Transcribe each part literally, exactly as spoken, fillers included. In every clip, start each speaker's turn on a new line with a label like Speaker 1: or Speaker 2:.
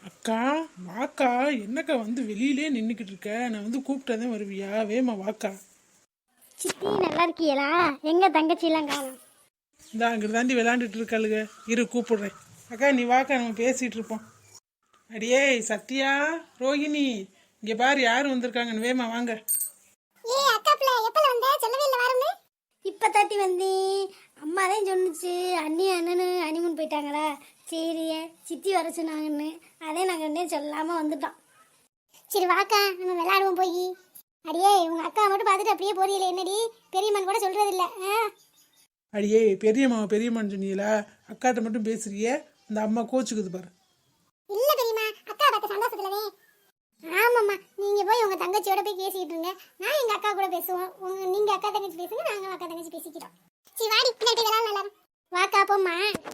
Speaker 1: அக்கா வாக்கா, என்னக்கா வந்து வெளியிலே நின்றுக்கிட்டு இருக்க? நான் வந்து கூப்பிட்டதே வருவியா? வேமா வாக்கா.
Speaker 2: சித்தி நல்லா இருக்கீங்களா? எங்க தங்கச்சிலாம் காணும்.
Speaker 1: இந்த அங்கிட்டு தாண்டி விளாண்டுட்டு இருக்காளுங்க. இரு கூப்பிடுறேன். அக்கா நீ வாக்கா, நம்ம பேசிட்டு இருப்போம். அடியே சத்யா, ரோஹிணி, இங்க பாரு யார் வந்திருக்காங்கன்னு. வேமா வாங்க.
Speaker 2: ஏய் அக்கா பிள்ளை எப்பல வந்த? சொல்லவே இல்ல வரமே. இப்ப தாட்டி வந்தேன். அம்மா தான் சொன்னுச்சு அண்ணி அண்ணனு அனிமன் போயிட்டாங்களா, சரி சித்தி வர சொன்னாங்கன்னு அதே நாங்கள் இன்னும் சொல்லாம வந்துட்டோம். சரி வாக்கா நம்ம விளையாடுவோம் போய். அடியே உங்க அக்கா மட்டும் பார்த்துட்டு அப்படியே போறீங்களே என்னடி? பெரியம்மன் கூட சொல்றது இல்ல.
Speaker 1: அடியே பெரியம்மா பெரியம்மான்னு சொன்னீங்களா? அக்காட்ட மட்டும் பேசுறியே, இந்த அம்மா கோச்சுக்குது பாரு.
Speaker 2: இல்ல பெரியம்மா, அக்கா பார்த்த சந்தோஷத்துலவே. ஆமாம்மா, நீங்க போய் உங்க தங்கச்சியோட போய் பேசிட்டு இருங்க, நான் எங்க அக்கா கூட பேசுவோம். உங்க நீங்க அக்கா தங்கச்சி பேசுங்க, நாங்க அக்கா தங்கச்சி பேசிக்கிறோம். சரி வாடி பின்னாடி விளையாடலாம் எல்லாரும். வாக்கா போம்மா.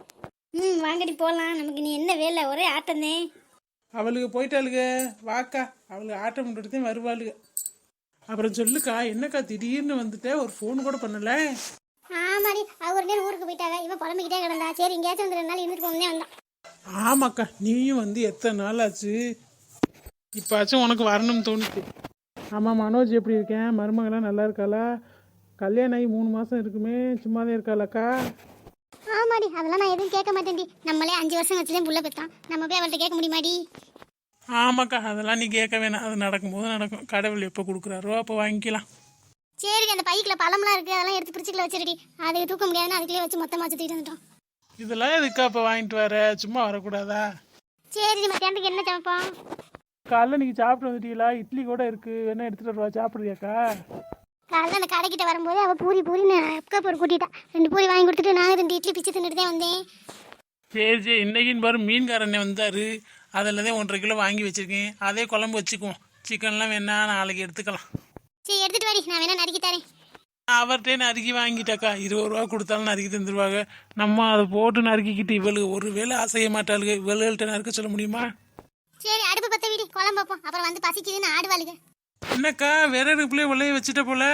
Speaker 2: ம் வாங்கடி போகலாம். நமக்கு நீ என்ன வேலை, ஒரே ஆட்டந்தே.
Speaker 1: அவளுக்கு போயிட்டாளுக. வாக்கா, அவளுக்கு ஆட்டம் பண்ணுறதுதான் வருவாளுக. அப்புறம் சொல்லுக்கா, என்னக்கா திடீர்னு வந்துட்ட? ஒரு ஃபோன் கூட பண்ணல.
Speaker 2: ஆமாடி, அவ ஒரு நேரம் ஊருக்கு போயிட்டாங்க, இவன் புலம்பிக்கிட்டே கிடந்தா. சரி எங்கேயாச்சும் வந்து ரெண்டு நாள் இருந்துட்டு போகணும்னே வந்தான்.
Speaker 1: ஆமாக்கா, நீயும் வந்து எத்தனை நாள் ஆச்சு? இப்பாச்சும் உனக்கு வரணும்னு தோணுச்சு. ஆமாம், மனோஜ் எப்படி இருக்கேன்? மருமகளாம் நல்லா இருக்காளா? கல்யாணம் ஆகி மூணு மாதம் இருக்குமே, சும்மாதான் இருக்காளாக்கா?
Speaker 2: ஆமாடி, அதெல்லாம் நான் எதுவும் கேட்க மாட்டேன்டி. நம்மளே அஞ்சு வருஷம் வச்சுதான் புள்ள பெற்றான், நம்ம போய் அவள்கிட்ட கேட்க முடியுமாடி?
Speaker 1: ஆமாக்கா, அதெல்லாம் நீ கேட்க வேணாம். அது நடக்கும்போது நடக்கும். கடவுள் எப்போ கொடுக்குறாரோ அப்போ வாங்கிக்கலாம்.
Speaker 2: சரி, அந்த பைக்கில் பழம்லாம் இருக்குது, அதெல்லாம் எடுத்து பிரிச்சுக்கல வச்சிருடி. அதை தூக்க முடியாதுன்னு அதுக்குள்ளே வச்சு மொத்தமாக சுற்றிட்டு வந்துட்டோம்.
Speaker 1: இதெல்லாம் எதுக்கா இப்போ வாங்கிட்டு வர? சும்மா வரக்கூடாதா?
Speaker 2: சரி, மத்தியானத்துக்கு என்ன சமைப்போம்?
Speaker 1: காலைல நீங்கள் சாப்பிட்டு வந்துட்டீங்களா? இட்லி கூட இருக்குது, வேணா எடுத்துகிட்டு வருவா, சாப்பிட்றியாக்கா?
Speaker 2: காலையில் அந்த கடைக்கிட்ட வரும்போது அவள் பூரி பூரின்னு அக்கா போர் கூட்டிட்டா. ரெண்டு பூரி வாங்கி கொடுத்துட்டு நான் ரெண்டு இட்லி பிச்சு தின்னுட்டு தான் வந்தேன்.
Speaker 1: சரி சரி, இன்னைக்குன்னு பாரு மீன்காரண்ணே வந்தார். அதில் தான் ஒன்றரை கிலோ வாங்கி வச்சுருக்கேன். அதே குழம்பு வச்சுக்குவோம். சிக்கன்லாம் வேணா நாளைக்கு எடுத்துக்கலாம்.
Speaker 2: சரி எடுத்துகிட்டு வாடி, நான் வேணா நறுக்கி தரேன்.
Speaker 1: அவர்கிட்டே நறுக்கி வாங்கிட்டாக்கா. இருபது ரூபா கொடுத்தாலும் நறுக்கி தந்துடுவாங்க. நம்ம அதை போட்டு நறுக்கிக்கிட்டு இவளுக்கு ஒரு வேளை அசைய மாட்டாளுங்க. இவள்கிட்ட நறுக்க சொல்ல முடியுமா?
Speaker 2: சரி அடுப்பு பற்ற வீடி, குழம்பு வைப்போம். அப்புறம் வந்து பசிக்குதுன்னு ஆடுவாளுங்க.
Speaker 1: என்னக்கா விறகு பிள்ளைய உள்ளே வச்சுட்ட போல?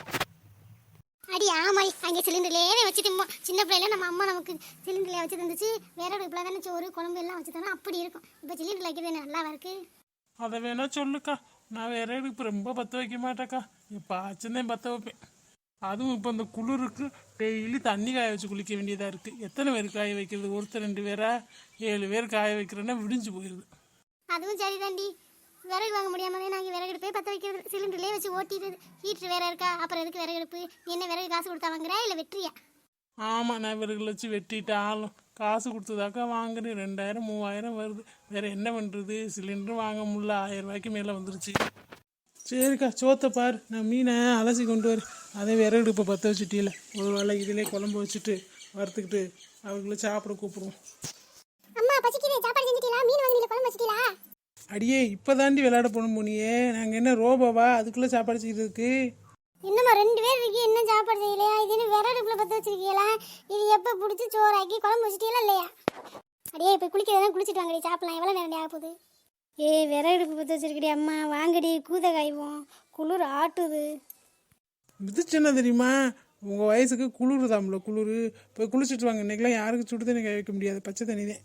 Speaker 2: அடி ஆமாடி, அங்கே சிலிண்டர்லேயே வச்சுட்டு சின்ன பிள்ளைல நம்ம அம்மா நமக்கு சிலிண்டர்லேயே வச்சு தந்துச்சு. வேற அடுப்புல தானே சோறு குழம்பு எல்லாம் வச்சு தரோம், அப்படி இருக்கும். இப்போ சிலிண்டர் வைக்கிறது நல்லாவா இருக்கு?
Speaker 1: அதை வேணா சொல்லுக்கா. நான் வேற அடுப்பு ரொம்ப பற்ற வைக்க மாட்டேக்கா. இப்போ ஆச்சுதான் பற்ற வைப்பேன். அதுவும் இப்போ இந்த குளிருக்கு டெய்லி தண்ணி காய வச்சு குளிக்க வேண்டியதாக இருக்குது. எத்தனை பேர் காய வைக்கிறது? ஒருத்தர் ரெண்டு பேரா? ஏழு பேர் காய வைக்கிறேன்னா விடிஞ்சு போயிடுது.
Speaker 2: அதுவும் சரி தாண்டி, விறகு வாங்க முடியாமலே நாங்கள் விறகு எடுப்பே பற்ற வைக்கிறது, சிலிண்டர்லேயே வச்சு ஓட்டிடுது. ஹீட்ரு வேற இருக்கா, அப்புறம் எதுக்கு விறகு எடுப்பு? நீ என்ன விறகு காசு கொடுத்தா வாங்குறா இல்லை வெற்றியா?
Speaker 1: ஆமாம், நான் விறகுல வச்சு வெட்டிட்டு ஆளும் காசு கொடுத்ததாக்கா வாங்குறேன். ரெண்டாயிரம் மூவாயிரம் வருது. வேறு என்ன பண்ணுறது? சிலிண்டரும் வாங்க முடியல, ஆயிரம் ரூபாய்க்கு மேலே வந்துருச்சு. சரிக்கா, சோத்தை பார், நான் மீனை அலசி கொண்டு வரேன். அதே விறகு அடுப்பை பற்ற வச்சுட்டில, ஒரு வேளை இதிலே குழம்பு வச்சுட்டு வறுத்துக்கிட்டு அவங்கள சாப்பிட கூப்பிடுவோம்.
Speaker 2: அம்மா பசிக்குது, சாப்பாடு செஞ்சுட்டீங்களா? மீன் வாங்கினீங்க, குழம்பு வச்சுட்டீங்களா?
Speaker 1: அடியே இப்போ தாண்டி விளையாட போகணும் போனியே. நாங்கள் என்ன ரோபோவா அதுக்குள்ளே சாப்பாடு செய்கிறதுக்கு?
Speaker 2: இன்னும்மா ரெண்டு பேர் இருக்கீ, இன்னும் சாப்பாடு செய்யலையா? இது இன்னும் விறகு அடுப்பில் பற்ற வச்சிருக்கீங்களா? இது எப்போ பிடிச்சி சோறாக்கி குழம்பு வச்சுட்டீங்களா இல்லையா? அடியே இப்போ குளிக்கிறதா குளிச்சுட்டு வாங்கடி, சாப்பிடலாம். எவ்வளோ நேரம் ஆக போகுது? ஏய் விறகு அடுப்பு பற்ற வச்சிருக்கடி அம்மா, வாங்கடி கூத காய்வோம், குளிர் ஆட்டுது.
Speaker 1: மிதிச்சுன்னா தெரியுமா? உங்கள் வயசுக்கு குளிர் தாம்ல, குளிர். போய் குளிச்சுட்டு வாங்க. இன்றைக்கெலாம் யாருக்கு சுடு தண்ணி கை வைக்க முடியாது, பச்சை தண்ணி தான்.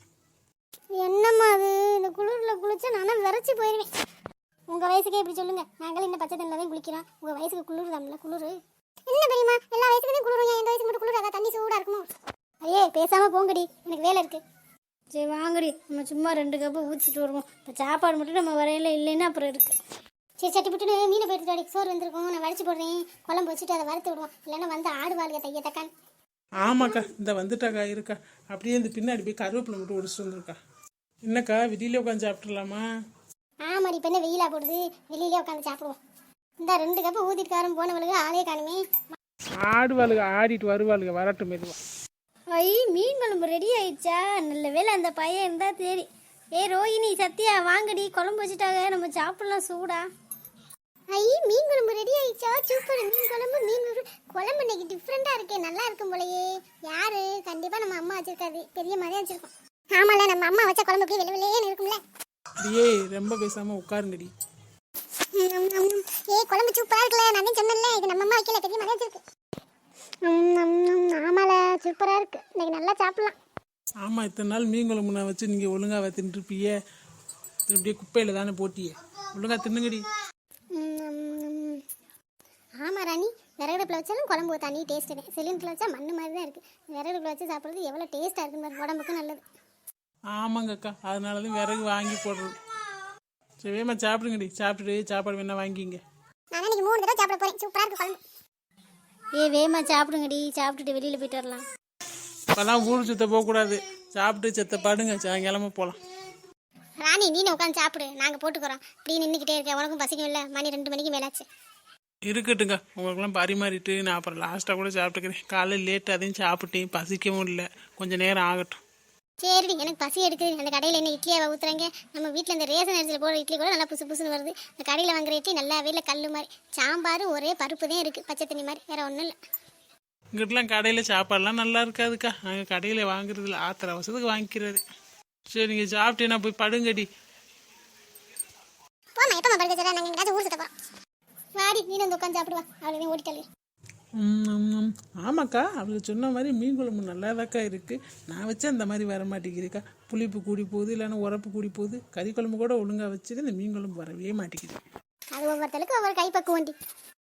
Speaker 2: என்னம்மா அது, இந்த குளிரில் குளிச்சா நானும் விரைச்சி போயிடுவேன். உங்கள் வயசுக்கே இப்படி சொல்லுங்கள், நாங்களும் இந்த பச்சை தண்ணியில் தான் குளிக்கிறோம். உங்கள் வயசுக்கு குளிர் தாம்ல, குளிர் என்ன தெரியுமா? எல்லா வயசுக்கும் குளிரும், எந்த வயசுக்கு மட்டும் குளிராதா? தண்ணி சூடாக இருக்குமோ? ஐயே பேசாமல் போங்கடி, எனக்கு வேலை இருக்குது. சரி வாங்கடி, நம்ம சும்மா ரெண்டு கப்பு ஊற்றிட்டு வருவோம். இப்போ சாப்பாடு மட்டும் நம்ம வரையில இல்லைன்னா அப்புறம் இருக்குது. சரி சட்டி போட்டுட்டு மீனை போயிட்டு வாடி, சோறு வந்துருக்கோம், நான் வடிச்சு போடுறேன். குழம்பு வச்சுட்டு அதை வறுத்து விடுவோம், இல்லைன்னா வந்து ஆடுவாளுங்க தைய தக்கான்.
Speaker 1: ஆமாக்கா, இந்த வந்துட்டாக்கா. இருக்கா அப்படியே இந்த பின்னாடி போய் கருவேப்பிலை மட்டும் ஒடிச்சிட்டு வந்துருக்கா. என்னக்கா வெளியில உட்காந்து சாப்பிட்றலாமா?
Speaker 2: ஆமாடி, இப்போ என்ன வெயிலா போடுது, வெளியிலே உட்காந்து சாப்பிடுவோம். இந்த ரெண்டு கப்பு ஊற்றிட்டுக்காரன் போனவளுக்கு ஆளே காணுமே.
Speaker 1: ஆடுவாளுங்க, ஆடிட்டு வருவாளுங்க, வரட்டும் மெதுவா.
Speaker 2: ஐ மீன் குழம்பு ரெடி ஆயிடுச்சா? நல்ல வேலை அந்த பையன் இருந்தா சரி. ஏ ரோஹிணி சத்யா வாங்கடி, குழம்பு வச்சுட்டாங்க, நம்ம சாப்பிடலாம் சூடா. ஐ மீன் குழம்பு ரெடி ஆயிடுச்சா? சூப்பர், மீன் குழம்பு. மீன் குழம்பு இன்னைக்கு டிஃப்ரெண்டா இருக்கே, நல்லா இருக்கும் போலயே. யாரு? கண்டிப்பா நம்ம அம்மா வச்சிருக்காது, பெரிய மாதிரி வச்சிருக்கோம். ஆமால, நம்ம அம்மா வச்ச குழம்பு அப்படியே வெள்ளை வெள்ளையே இருக்கும்ல.
Speaker 1: அடியே ரொம்ப பேசாம உட்காருங்கடி.
Speaker 2: ஏ குழம்பு சூப்பரா இருக்குல்ல, நான் சொன்னேன்ல இது நம்ம அம்மா வைக்கல, பெரிய மாதிரி வச்சிருக்கு. ஆமால சூப்பரா இருக்கு, இன்னைக்கு நல்லா சாப்பிடலாம்.
Speaker 1: ஆமாம், இத்தனை நாள் மீன் குழம்பு நான் வச்சு நீங்கள் ஒழுங்காக தின்ட்டுருப்பீங்க. இப்படியே குப்பையில் தானே போட்டியே, ஒழுங்கா தின்னுங்கடி.
Speaker 2: ம், ஆமாம் ராணி, விறகுடுப்பில் வச்சாலும் குழம்பு தண்ணி டேஸ்ட்டு தான். சிலிண்டரில் வச்சா மண்ணு மாதிரி தான் இருக்குது. விறகுடுப்பில் வச்சு சாப்பிட்றது எவ்வளோ டேஸ்ட்டாக இருக்குன்னு பாருங்க, உடம்புக்கு நல்லது.
Speaker 1: ஆமாங்க அக்கா, அதனால தான் விறகு வாங்கி போடுறது. சரி வேமா சாப்பிடுங்கடி, சாப்பிட்டுட்டு சாப்பாடு வேணா வாங்கிங்க.
Speaker 2: நான் இன்னைக்கு மூணு தடவை சாப்பிட போகிறேன், சூப்பராக இருக்கு குழம்பு. ஏ வேமா சாப்பிடுங்கடி, சாப்பிட்டுட்டு வெளியில் போயிட்டு வரலாம்.
Speaker 1: இப்போல்லாம் ஊர் சுத்த போகக்கூடாது, சாப்பிட்டு செத்த பாடுங்க, சாயங்காலமா போகலாம்.
Speaker 2: ராணி நீ உட்காந்து சாப்பிடு, நாங்கள் போட்டுக்கிறோம். இப்படி நின்றுக்கிட்டே இருக்கேன், உனக்கும் பசிக்கும் இல்லை, மணி ரெண்டு மணிக்கு மேலாச்சு.
Speaker 1: இருக்கட்டுங்க, உங்களுக்கெல்லாம் பரிமாறிட்டு நான் அப்புறம் லாஸ்ட்டாக கூட சாப்பிட்டுக்கிறேன். காலையில் லேட்டு அதையும் சாப்பிட்டேன், பசிக்கவும் இல்லை, கொஞ்சம் நேரம் ஆகட்டும்.
Speaker 2: சரி, எனக்கு பசி எடுக்குது. அந்த கடையில் என்ன இட்லியாவை ஊற்றுறாங்க? நம்ம வீட்டில் இந்த ரேஷன் அரிசியில் போடுற இட்லி கூட நல்லா புசு புசுன்னு வருது. இந்த கடையில் வாங்குற இட்லி நல்லாவே இல்லை, கல் மாதிரி. சாம்பார் ஒரே பருப்பு தான் இருக்குது, பச்சை தண்ணி மாதிரி, வேறு ஒன்றும் இல்லை.
Speaker 1: இங்கிட்டலாம் கடையில் சாப்பாடுலாம் நல்லா இருக்காதுக்கா, நாங்கள் கடையில் வாங்குறதில்ல, ஆத்திர அவசரத்துக்கு வாங்கிக்கிறது. சரி நீங்கள் சாப்பிட்டேன்னா போய் படுங்கடி.
Speaker 2: போமா, எப்போ படுக்க சொல்ல, நாங்கள் எங்கேயாச்சும் ஊர் சுத்த போகிறோம். வாடி, நீ வந்து உட்காந்து சாப்பிடுவா, அவ்வளோதான் ஓடிட்டாலே.
Speaker 1: ம், ஆமாக்கா, அவளுக்கு சொன்ன மாதிரி மீன் குழம்பு நல்லாதாக்கா இருக்குது. நான் வச்சு அந்த மாதிரி வர மாட்டேங்குதுக்கா. புளிப்பு கூடி போகுது, இல்லைன்னா உரப்பு கூடி போகுது. கறி குழம்பு கூட ஒழுங்காக வச்சுட்டு இந்த மீன் குழம்பு வரவே மாட்டேங்குது.
Speaker 2: அது ஒவ்வொருத்தருக்கு ஒவ்வொரு கைப்பக்குவண்டி.